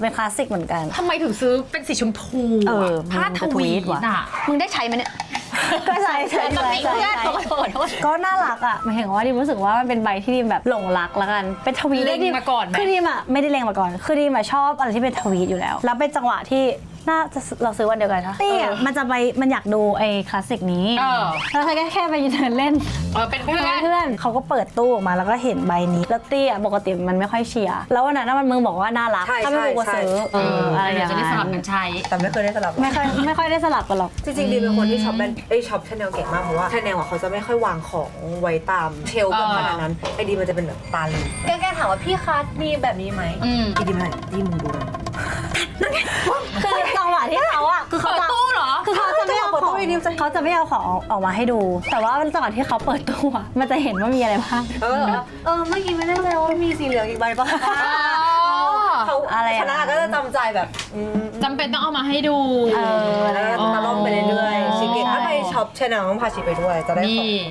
เป็นคลาสสิกเหมือนกันทำไมถึงซื้อเป็นสีชมพูผ้าทวีตอ่ะมึงได้ใช้ไหมเนี่ยก็ใช่ตำหนิเพื่อนขอโทษก็น่ารักอ่ะหมายถึงว่าดิมรู้สึกว่ามันเป็นใบที่ดิมแบบหลงรักละกันเป็นทวีตเล็งมาก่อนไหมคือดิมอ่ะไม่ได้เล็งมาก่อนคือดิมชอบอะไรที่เป็นทวีตอยู่แล้วแล้วเป็นจังหวะที่น่าจะเราซื้อวันเดียวกันค่ะตี้มันอยากดูไอ้คลาสสิกนี้แล้วเธอแค่ไปยืนเดินเล่นเป็นเพื่อนเพื่อนเขาก็เปิดตู้ออกมาแล้วก็เห็นใบนี้แล้วตี้ปกติมันไม่ค่อยเชียร์แล้ววันนั้นมึงบอกว่าน่ารักถ้าไม่รู้ก็ซื้ออะไรอย่างจะได้เงี้ยสลับกันใช้แต่ไม่เคยได้สลับไม่ค่อยได้สลับกันหรอกจริงๆดีเป็นคนที่ช็อปช็อปชาแนลเก่งมากเพราะว่าชาแนลเขาจะไม่ค่อยวางของไว้ตามเชลฟ์แบบขนาดนั้นไอดีมันจะเป็นแบบตาลีแกถามว่าพี่คะมีแบบนี้ไหมดีดีไหมดีมึงดูเลยคือจังหวะที่เขาอ่ะคือเขาเปิดตู้เหรอคือเขาจะไม่เอาของเขาจะไม่เอาของออกมาให้ดู แต่ว่าจังหวะที่เขาเปิดตู้อ่ะมันจะเห็นว่ามีอะไรบ้างเมื่อกี้ไม่ได้เลยว่ามีสีเหลืองอีกใบป่ะเขาชนะก็จะจำใจแบบจำเป็นต้องเอามาให้ดูแล้วตะล่อมไปเรื่อยๆชิเกะถ้าไปช็อปชาแนลต้องพาชิไปด้วยจะได้ของ